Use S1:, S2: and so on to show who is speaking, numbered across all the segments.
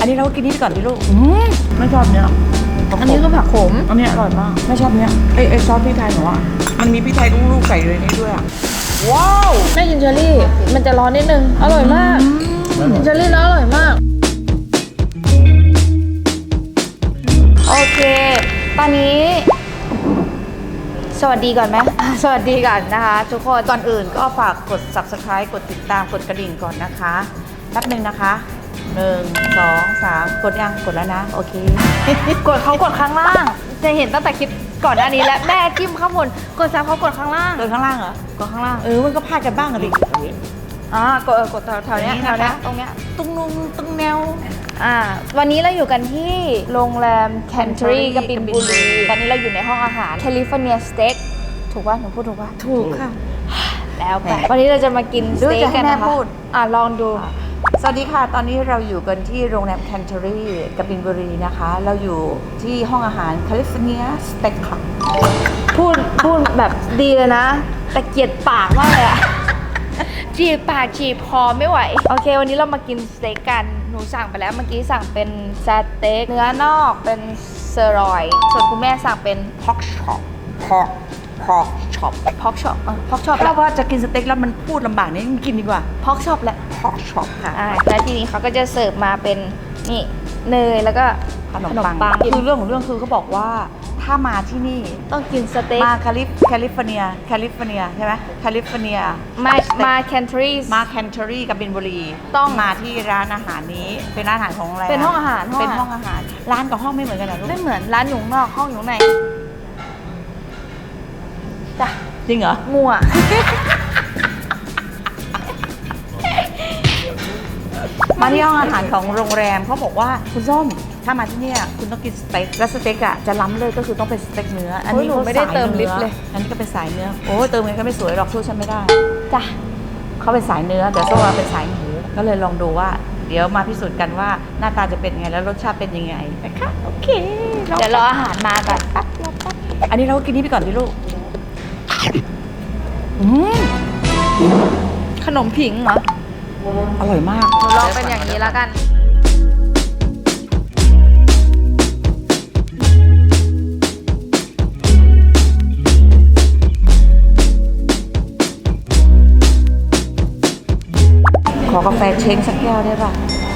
S1: อันนี้เราก็กินนี่ก่อนดิลูกไม่ชอบเนี้ย
S2: อันนี้ก็ผักขม
S1: อันนี้อร่อยมากไม่ชอบเนี้ยไอซอสพริกไทยหนูอ่ะมันมีพริกไทยลูกๆใส่เลยนี่ด้วยอ่ะว้าว
S2: แม่กินเชอรี่มันจะร้อนนิดนึงอร่อยมากกินเชอรี่แล้วอร่อยมากโอเคตอนนี้สวัสดีก่อนไหมสวัสดีก่อนนะคะทุกคน
S1: ก่อนอื่นก็ฝากกด subscribe กดติดตามกดกระดิ่งก่อนนะคะแป๊บนึงนะคะ1 2 3กดยังกดแล้วนะโอเค
S2: กดเขากดข้างล่างจะเห็นตั้งแต่คลิปก่อนหน้านี้แล้วแม่จิ้มข้างบนกดซ้ำเขากดข้างล่าง
S1: กดข้างล่างเหรอก
S2: ดข้างล่าง
S1: มันก็พลาดกันบ้างอะดิ
S2: กดแถวเนี้ยตรงเนี้ย
S1: ตุ้งนุ่งตุ้งแนว
S2: วันนี้เราอยู่กันที่โรงแรมแคนเทอรี่กบินบุรีตอนนี้เราอยู่ในห้องอาหารแคลิฟอร์เนียสเต็กถูกป่ะหนูพูดถูกป่ะ
S1: ถูกค่ะ
S2: แล้วไปวันนี้เราจะมากินสเต็กกันนะคะลองดู
S1: สวัสดีค่ะตอนนี้เราอยู่กันที่โรงแรมแคนเทอรี่กบินบุรีนะคะเราอยู่ที่ห้องอาหารแคลิฟอร์เนียสเต็กค่ะ
S2: พูดแบบดีเลยนะแต่เกลียดปากมากเลยอะจีบปากจีบคอไม่ไหวโอเควันนี้เรามากินสเต็กกันหนูสั่งไปแล้วเมื่อกี้สั่งเป็นสเต็กเนื้อนอกเป็นเซอร์รอยส่วนคุณแม่สั่งเป็นพ็อกช็อป
S1: แล้วว่าจะกินสเต็กแล้วมันพูดลำบากนี่กินดีกว่า
S2: พ็อกช็อปแหละ
S1: พ็อกช็อปค่ะ
S2: แล้วทีนี้เขาก็จะเสิร์ฟมาเป็นนี่เนยแล้วก็
S1: ขนมปังคือเรื่องของเรื่องคือเขาบอกว่าถ้ามาที่นี่
S2: ต้องกินสเต็ก
S1: มาแคลิฟอร์เนียใช่ไหมแคลิฟอร์เนีย
S2: มาแคนเทอ
S1: รี่กับบินบุรีต้องมาที่ร้านอาหารนี้เป็นร้านอาหารของโรงแรม
S2: เป็นห้องอาหาร
S1: ร้านกับห้องไม่เหมือนกันนะลูก
S2: ไม่เหมือนร้านอยู่นอกห้องอยู่ในจ้ะ
S1: จริงเหรอ
S2: มั่ว
S1: มาที่ห้องอาหารของโรงแรมเขาบอกว่าคุณส้มถ้ามาที่นี่คุณต้องกินสเต็กและสเต็กอ่ะจะล้ำเลยก็คือต้องเป็นสเต็กเนื้อ
S2: อันนี้หนูไม่ได้เติมลิปเลย
S1: อันนี้ก็เป็นสายเนื้อโอ้เติมเงินก็ไม่สวยหรอกสู้ฉันไม่ได้
S2: จ้ะ
S1: เขาเป็นสายเนื้อแต่ส้มเป็นสายหมูก็เลยลองดูว่าเดี๋ยวมาพิสูจน์กันว่าหน้าตาจะเป็นยังไงแล้วรสชาติเป็นยังไงนะคะโอเค
S2: เดี๋ยวรออาหารมาก่อน
S1: อันนี้เราก็กินนี่ไปก่อนดิลูก
S2: ขนมผิงเหรอ
S1: อร่อยมาก
S2: ลองเป็นอย่างนี้แล้วกัน
S1: ขอกาแฟเช้งสักแก้วได้ป่ะ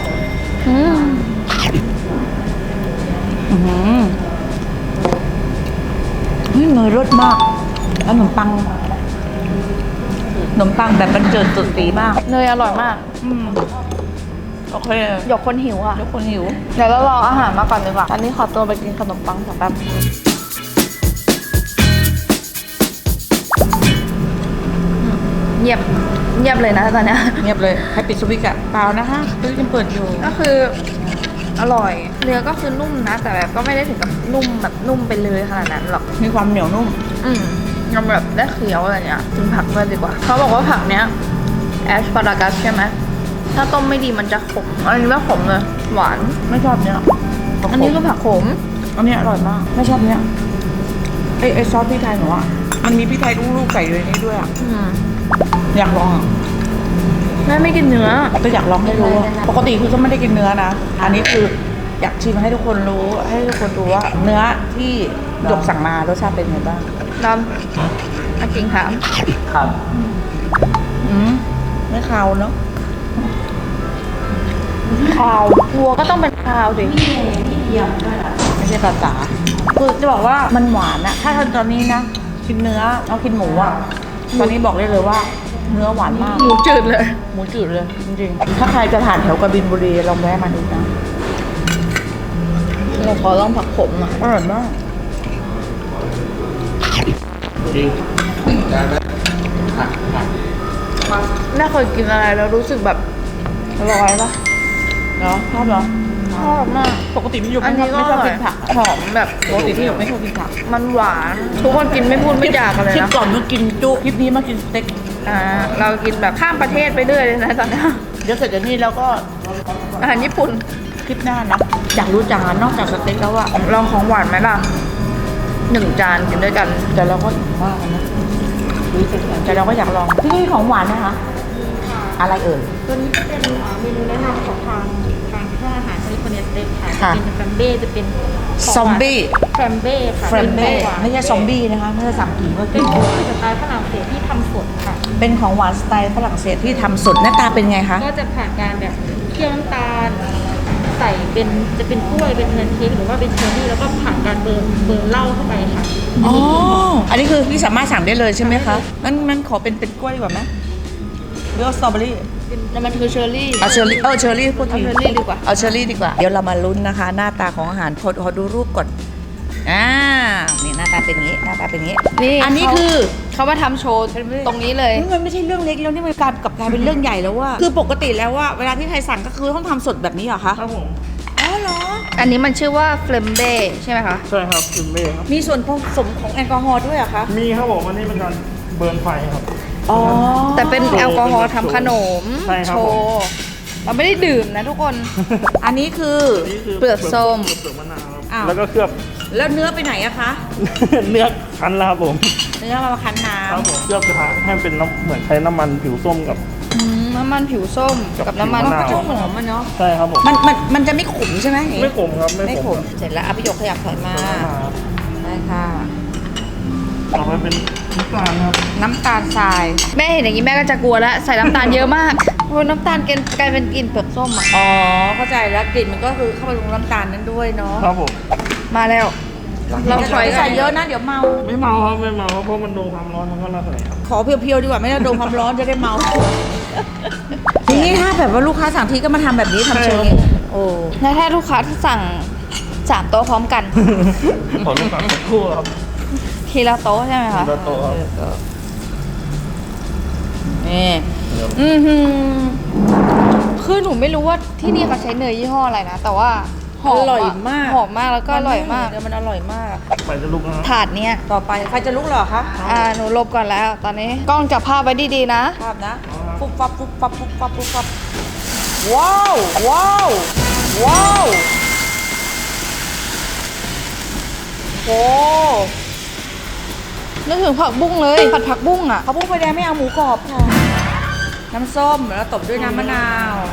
S1: เนยรสมากแล้วขนมปังแบบบรรเจิดสุดสีมาก
S2: เนยอร่อยมาก
S1: โอเค
S2: หยกคนหิว
S1: เ
S2: ดี๋ยวเรารออาหารมาก่อนดีกว่าอันนี้ขอตัวไปกินขนมปังสักแป๊บเงียบเลยนะตอนนี้
S1: เงียบเลยให้ปิดสวิตช์อะเปล่านะคะสวิตช์ยังเปิดอยู่
S2: ก็คืออร่อยเนื้อก็คือนุ่มนะแต่แบบก็ไม่ได้ถึงกับนุ่มแบบนุ่มไปเลยขนาดนั้นหรอก
S1: มีความเหนียวนุ่ม
S2: ยังแบบได้เคี้ยวอะไรเงี้ยกินผักด้วยดีกว่าเขาบอกว่าผักเนี้ยแอสพารากัสใช่ไหมถ้าต้มไม่ดีมันจะขมอันนี้ไม่ขมเลยหวาน
S1: ไม่ชอบเนี้ย
S2: อันนี้ก็ผักขม
S1: อันนี้อร่อยมากไม่ชอบเนี้ยไอซอสพริกไทยหนูอ่ะมันมีพริกไทยลูกๆใส่เลยนี่ด้วยอ่ะอยากลอง
S2: แม่ไม่กินเนื้อ
S1: ก็อยากลองให้รู้ปกติคือก็ไม่ได้กินเนื้อนะอันนี้คืออยากชิมให้ทุกคนรู้ให้ทุกคนดูว่าเนื้อที่หยกสั่งมารสชาติเป็นไงบ้าง
S2: ดำจริงถาม
S1: ครับไม่คาวเนาะ
S2: คาววัวก็ต้องเป็นคาวดิ
S1: ไม่ใช่ภาษาคือจะบอกว่ามันหวานอะถ้าตอนนี้นะกินเนื้อเอากินหมูอะตอนนี้บอกได้เลยว่าเนื้อหวานมาก
S2: หมูจืดเลย
S1: จริงๆถ้าใครจะผ่านแถวกบินบุรีลองแวะมาดูนะ
S2: เราขอลองผักขมหน่อย
S1: อร่อยมาก
S3: จริงได้ไหม
S2: แม่เคยกินอะไรแล้วรู้สึกแบบอร่อยปะ
S1: เนาะชอบเหรอ
S2: ชอบมาก
S1: ปกติไม่ชอบกินผัก
S2: หอมแบบ
S1: ปกติที่ไม่ชอบกินผัก
S2: มันหวานทุกคนกินไม่พูดไม่จากกันเลยนะ
S1: คลิปก่อนมากินจุคลิปนี้มากินสเต็ก
S2: เรากินแบบข้ามประเทศไปเรื่อยเลยนะตอนนี้
S1: เดี๋ยวเสร็จจากนี้แล้วก็
S2: อาหารญี่ปุ่น
S1: คลิปหน้านะอยากรู้จังนอกจากสเต็กแล้วอะ
S2: ลองของหวานไหมล่ะ1 จานกินด้วยกัน
S1: แต่เราก็อิ่มมากนะแต่เราก็อยากลองที่นี่ของหวานนะคะอะไรเอ่ย
S4: ตัวนี้เป็นเมนูแนะนำของทางบางห้องอาหารแคลิฟอร์เนียสเต็กค่ะ
S1: ค่ะ
S4: จะเป็นแฟมเบ้จะเป็นขงหวาน
S1: ซอมบี้
S4: แฟมเบ้ค่ะ
S1: เฟรมเบ้
S4: ป็นของหวาน
S1: ไม่ใช่ซอมบี้นะคะไม่ใช่สามกีเมื่อ
S4: เป็น
S1: กี้
S4: ของหวานสไตล์ฝรั่งเศสที่ทำสดค่ะ
S1: เป็นของหวานสไตล์ฝรั่งเศสที่ทำสดหน้าตาเป็นไงคะ
S4: ก็จะผ่านการแบบเคี่ยวน้ำตาล ใส่เป็นจะเป็นกล้วยเป็นแพนเค้กหรือว่าเป็นเชอร์รี่แล้วก็ผ่านการเบิร์นเหล้าเข้าไปค่ะ
S1: อ๋อ อันนี้คือพี่สามารถสั่งได้เลยใช่ไหมคะงั้นขอเป็นกล้วยดีกว่าไหมหรือเอาสตรอเบอรี่
S2: แล้วมันคือเชอร์รี่
S1: เอาเชอร์รี่เชอร์รี่พูดที
S2: เอาเชอร์รี่ดีกว่า
S1: เอาเชอร์รี่ดีกว่า เดี๋ยวเรามาลุ้นนะคะ หน้าตาของอาหารขอดูรูปก่อนนี่หน้าตาเป็นอย่างนี้หน้าตาเป็นอย่างนี้
S2: นี่
S1: อันนี้คือ
S2: เขามาทำโชว์ตรงนี้เลย
S1: มันไม่ใช่เรื่องเล็กแล้วนี่มันกลายเป็นเรื่องใหญ่แล้วว่าคือปกติแล้วว่าเวลาที่ใครสั่งก็คือต้องทำสดแบบนี้เหรอคะ
S3: ครับผม
S1: อ๋อเหรอ
S2: อันนี้มันชื่อว่าเฟลมเบ้ใช่ไหมคะ
S3: ใช่ครับกินเบ้ครับ
S1: มีส่วนผสมของแอลกอฮอล์ด้วยเหรอคะ
S3: มีครับผมอันนี้เป็นการเบิร์นไฟครับ
S1: อ๋อ
S2: แต่เป็นแอลกอฮอล์ทำขนม
S3: ใช่ครับ
S2: โชว์เราไม่ได้ดื่มนะทุกคน
S1: อันนี้คือ
S3: อันนี้คือ
S2: เปลือกส้ม
S3: เปลือกมะนาวครับ
S1: อ้าว
S3: แล้วก็เคลือบ
S1: แล้วเนื้อไปไหนอะคะ
S3: เนื้อคั้นแล้วครับผม
S1: เนื้อมาคั้นน้
S3: ครับผมเคลือบกระทะให้เป็นน้ำเหมือนใช้น้ำมันผิวส้มกับ
S2: น้ำมันผิวส้มกับน้ำมัน
S3: ผิว
S1: ำ
S3: มะ
S1: ก็
S3: นาว
S1: จะหอมมันเนาะ
S3: ใช่ครับผม
S1: มันจะไม่ขมใช่ไหม
S3: ไม่ขมครับ
S1: ไม่
S3: ไม่
S1: ข
S3: ข
S1: ม
S3: ม
S1: เสร็จแล้วพี่หยกขยับถอยมา
S3: ครับ
S1: ได้ค่ะ
S3: ต่อไปเป็นน้ำตาลครับ
S1: น้ำตาลทราย
S2: แม่เห็นอย่างนี้แม่ก็จะกลัวแล้วใส่น้ำตาลเยอะมากโอ้น้ำตาลกลายเป็นกลิ่นเปลือกส้มอ่ะ
S1: อ๋อเข้าใจแล้วกลิ่นมันก็คือเข้าไปลงน้ำตาลนั้นด้วยเนาะ
S3: ครับผม
S2: มาแล้วเรา
S1: อย่า
S2: ถอย
S1: ใส่เยอะนะเดี๋ยวเมา
S3: ไม่เมาครับไม่เมาครับเพราะมันโดนความร้อนมันก็ระเหยครับ
S1: ขอเพียวๆดีกว่าไม่ต้องโดนความร้อนจะได้เมา ทีนี้ถ้าแบบว่าลูกค้าสั่งทีก็มาทำแบบนี้ทำเชิงนี้โอ้
S2: แล้วถ้าลูกค้าที่สั่ง3 โต๊ะพร้อมกัน
S3: ขอลูกค้าสักครู่ครับ
S2: ทีละโต๊ะใช่ไหมคะ
S3: ทีละโต๊ะครับ
S1: นี่
S2: คือหนูไม่รู้ว่าที่นี่เขาใช้เนยยี่ห้ออะไรนะ แต่ว่าหอม
S1: อร่อยมาก
S2: หอมมากแล้วก็อร่อยมาก
S1: เดี๋ยวมันอร่อยมาก
S3: ไปจะลุกนะครับ
S2: ถาดเนี้ย
S1: ต่อไปใครจะลุกเหรอคะ
S2: หนูลบก่อนแล้ว ตอนนี้กล้องจับภาพไว้ดีๆนะ
S1: ภาพนะฟุบฟับฟุบฟับฟุบฟับฟุบฟับว้าวว้าวว้าวโอ้
S2: นึกถึงผักบุ้งเลย ผัดผักบุ้งอ่ะ
S1: เขาพุ่งไฟแดงไม่เอาหมูกรอบค่ะน้ำส้มแล้วตบด้วยน้ำมะนาว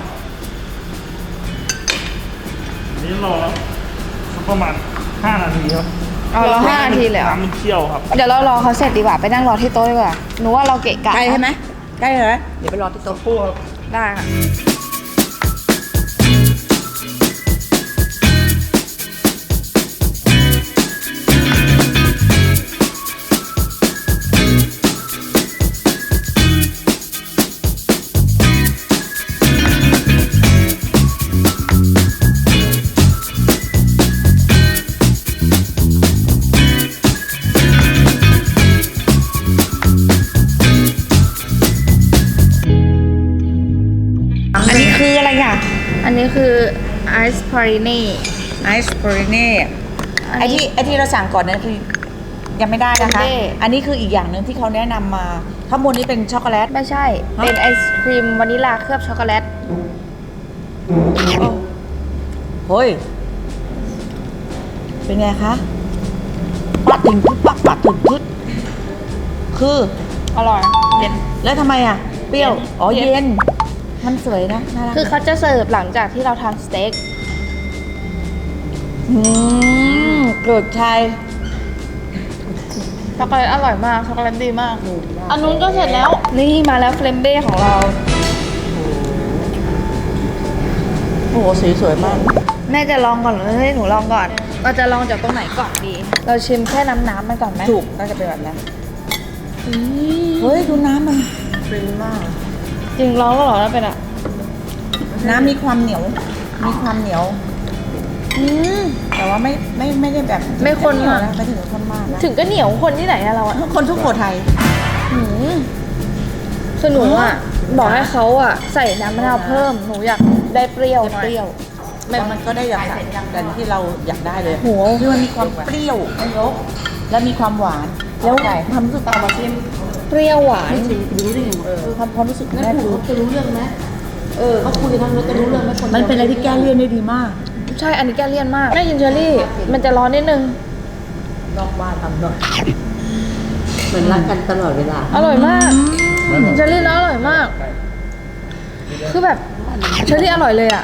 S3: นี่รอสักประมาณ5 นาทีครับ
S2: เอารอ5 นาทีเลยเหรอ
S3: น้ำมันเคี่ยวครับ
S2: เดี๋ยวเรารอเขาเสร็จดีกว่า ไปนั่งรอที่โต๊ะดีกว่า หนูว่าเราเกะกะ
S1: ใกล้ใช่ไหมใกล้เลยเดี๋ยวไปรอที่โต๊ะ
S3: คู่ครับ
S2: ได้ค่ะ
S1: อันนี้คืออะไรอ่ะ
S2: อันนี้คือไอซ์พาริเน่
S1: ไอซ์บริเน่ไอที่เราสั่งก่อนนั้นคือยังไม่ได้นะคะ อันนี้คืออีกอย่างหนึ่งที่เขาแนะนำมาข้างบนนี้เป็นช็อกโกแลต
S2: ไม่ใช่ เป็นไอศครีมวานิลลาเคลือบช็อกโกแลต
S1: เฮ้ย เป็นไงคะปัดถึงพุดปัดถึงพุดคือ
S2: อร่อย เย็น
S1: แล้วทำไมอ่ะ เปรี้ยว อ๋อ
S2: เย็น
S1: เย็น มันสวยนะ น่ารัก
S2: คือเขาจะเสิร์ฟหลังจากที่เราทานสเต็ก
S1: เกิดชาย
S2: ช็อกโกแลตอร่อยมาก ช็อกโกแลตดีมาก อันนู้นก็เสร็จแล้ว นี่มาแล้วเฟลมเบ้ของเรา
S1: โอ้โหสีสวยมาก
S2: แม่จะลองก่อนหรือให้หนูลองก่อน เราจะลองจากตรงไหนก่อนดี เราชิมแค่น้ำมันก่อนไหม
S1: ถูก น่าจะเป็นแบบนั้น เฮ้ย ดูน้ำมันเป็นมาก
S2: จริงลองก็หรอแล้วเป็นอ่ะ
S1: น้ำมีความเหนียว มีความเหนียว แต่ว่าไม่ได้แบบ
S2: ไม่ข้น
S1: เหนียว
S2: มาก
S1: นะไม่ถึงกับข้นมากนะ
S2: ถึงก็เหนียวคนที่ไหนอะเราอะ
S1: คนทุกโขทัย
S2: คือหนูอะบอกให้เขาอะใส่น้ำมะนาวเพิ่ม หนูอยากได้เปรี้ยวหน่อย
S1: เปรี้ยวมันก็ได้อย่างแต่ที่เราอยากได้เลย
S2: โห
S1: คือมันมีความเปรี้ยวแล้วมีความหวาน แล้วความรู้สึกตามมาชิม
S2: เปรี้ยวหวาน
S1: คือความรู้สึกแม่คือ
S4: จะรู้เรื่องไหมเขาคุยกันแล้วจะรู้เรื่องไหมคน
S1: มันเป็นอะไรที่แก้เลี่ยนได้ดีมาก
S2: ใช่ อันนี้แกเลี่ยนมากแม่กินเชอรี่ มันจะร้อนนิดนึง
S1: นอกบ้านทำหน่อย
S4: เหมือนรักกันตลอดเวลา
S2: อร่อยมากเชอรี่แล้วอร่อยมาก คือแบบเชอรี่อร่อยเลยอะ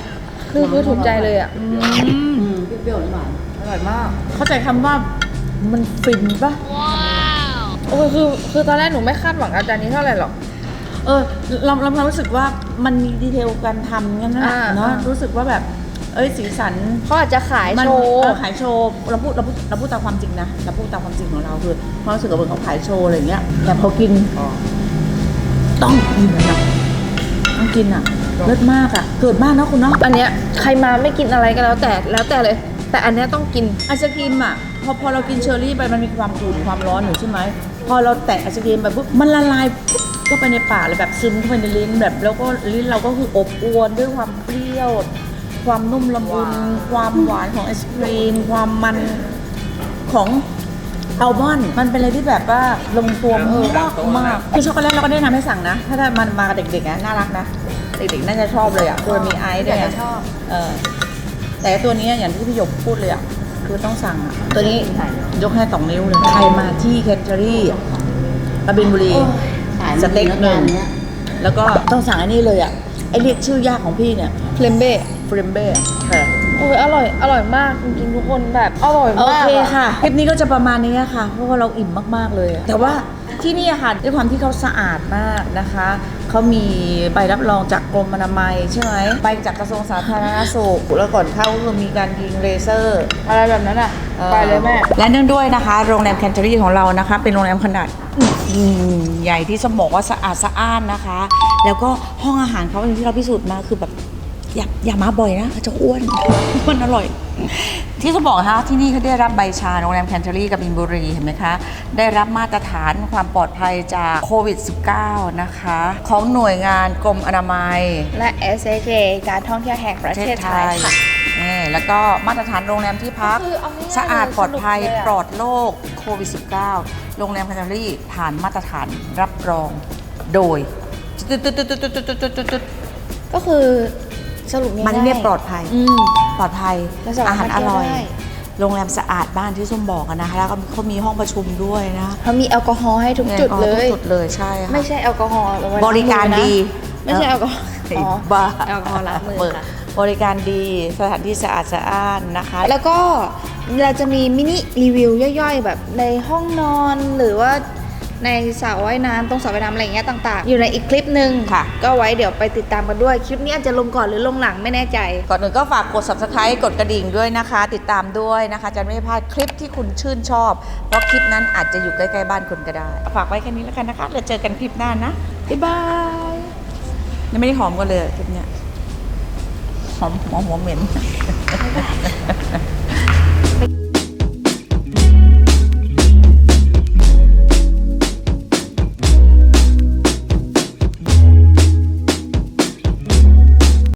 S2: คือถูกใจเลยอ่ะ
S1: เปรี้ยวๆหวานอร่อยมาก เข้าใจคำว่ามันฟินปะ
S2: โอ้ยคือตอนแรกหนูไม่คาดหวังกับจานนี้เท่าไหร่หรอก
S1: เรารู้สึกว่ามันมีดีเทลการทำงั้นนะ
S2: อ่า
S1: เนาะรู้สึกว่าแบบสีสัน
S2: เขาอาจจะขาย
S1: มัน
S2: โชว์
S1: ขายโชว์เราพูดตามความจริงนะเราพูดตามความจริงของเราคือความรู้สึกว่าเหมือนเขาขายโชว์อะไรอย่างเงี้ยแต่พอกินต้องกินนะต้องกินอ่ะเลิศมากอ่ะเกิดมากนะคุณเนาะ
S2: อันเนี้ยใครมาไม่กินอะไรก็แล้วแต่เลย แต่อันเนี้ยต้องกิน
S1: ไอศครีมอ่ะพอเรากินเชอร์รี่ไปมันมีความอุ่นความร้อนอยู่ใช่ไหมพอเราแตะไอศครีมไปปุ๊บมันละลายปุ๊บเข้าไปในปากเลยแบบซึมเข้าไปในลิ้นแบบแล้วก็ลิ้นเราก็คืออบอวลด้วยความเปรี้ยวความนุ่มละมุนความหวานของไอศครีมความมันของอัลมอนด์มันเป็นอะไรที่แบบว่าลงตัวมากคือช็อกโกแลตเราก็ได้นำให้สั่งนะถ้ามันมากับเด็กๆนะน่ารักนะเด็กๆน่าจะชอบเลยอ่ะคือมีไอซ์ด้วย
S2: อยาก
S1: ไง
S2: จะชอบ
S1: แต่ตัวนี้อย่างที่พี่หยกพูดเลยอ่ะคือต้องสั่งอ่ะตัวนี้ยกให้2 นิ้วเลยใครมาที่แคนเทอรี่กบินบุรีสเต็กหนึ่งแล้วก็ต้องสั่งอันนี้เลยอ่ะไอเรียกชื่อยากของพี่เนี่ย
S2: เฟลมเบ้
S1: เฟรมเบ้ค่ะ
S2: โอ้ยอร่อยมากจริงๆทุกคนแบบอร่อย
S1: โอ
S2: มาก
S1: เค
S2: อะ
S1: ค่ะคลิปนี้ก็จะประมาณนี้ค่ะเพราะว่าเราอิ่มมากๆเลยอะแต่ว่าที่นี่อะค่ะด้วยความที่เขาสะอาดมากนะคะเขามีใบรับรองจากกรมอนามัยใช่ไหมใบจากกระทรวงสาธารณสุขแล้วก่อนเข้าก็คือมีการยิงเลเซอร์
S2: อะไรแบบนั้นอ่ะ ไปเลยแม่
S1: และเนื่องด้วยนะคะโรงแรมแคนเทอรี่ของเรานะคะเป็นโรงแรมขนาดใหญ่ที่สมบอกว่าสะอาดสะอ้านนะคะ แล้วก็ห้องอาหารเขาอย่างที่เราพิสูจน์มาคือแบบอย่ามาบ่อยนะเขาจะอ้วนมันอร่อย ที่จะบอกนะคะที่นี่เขาได้รับใบชาโรงแรมแคนเทอรี่กับบินบุรีเห็นไหมคะได้รับมาตรฐานความปลอดภัยจากโควิด -19 นะคะของหน่วยงานกรมอนามัย
S2: และ SAK การท่องเที่ยวแห่งประเทศไทยค่ะ
S1: นี่แล้วก็มาตรฐานโรงแรมที่พัก
S2: คือเอาง่ายๆ
S1: สะอาดปลอดภัย
S2: สนุกเลยอะ
S1: ปลอดโรคโควิด -19 โรงแรมแคนเทอรี่ผ่านมาตรฐานรับรองโดย
S2: ก็คือสรุปง่ายๆ
S1: มันเนี่ยปลอดภัย
S2: อืม
S1: ปลอดภัย
S2: และสามารถ
S1: อาหารอร่อย
S2: เที่ยวได้
S1: โรงแรมสะอาดบ้านที่ส้มบอกอะนะคะแล้วก็เขามีห้องประชุมด้วยนะ
S2: เขามีแอลกอฮอล์ให้ทุกจุดเลย
S1: ทุกจุดเลยใช่ค่ะ
S2: ไม่ใช่แอลกอฮอล์เอาไว้
S1: บริการดี
S2: ไม่ใช่แอลกอฮอล์
S1: ไอ้
S2: อ๋อ
S1: บ้า
S2: แอลกอฮอล์ล้างมือค่ะ
S1: บริการดีสถานที่สะอาดสะอ้านนะคะ
S2: แล้วก็เราจะมีมินิรีวิวย่อยๆ แบบในห้องนอนหรือว่าในสระว่ายน้ำตรงสระว่ายน้ำอะไรอย่างเงี้ยต่างๆ อยู่ในอีกคลิปหนึ่ง
S1: ค่ะ
S2: ก็ไว้เดี๋ยวไปติดตามกันด้วย คลิปนี้อาจจะลงก่อนหรือลงหลังไม่แน่ใจ
S1: ก่อนอื่นก็ฝากกด subscribe กดกระดิ่งด้วยนะคะ ติดตามด้วยนะคะ จะไม่พลาดคลิปที่คุณชื่นชอบ เพราะคลิปนั้นอาจจะอยู่ใกล้ๆบ้านคุณก็ได้ ฝากไว้แค่นี้แล้วกันนะคะแล้วเจอกันคลิปหน้านะ บ๊ายบาย ยังไม่ได้หอมกันเลยคลิปเนี้ยหอมหัวเหม็น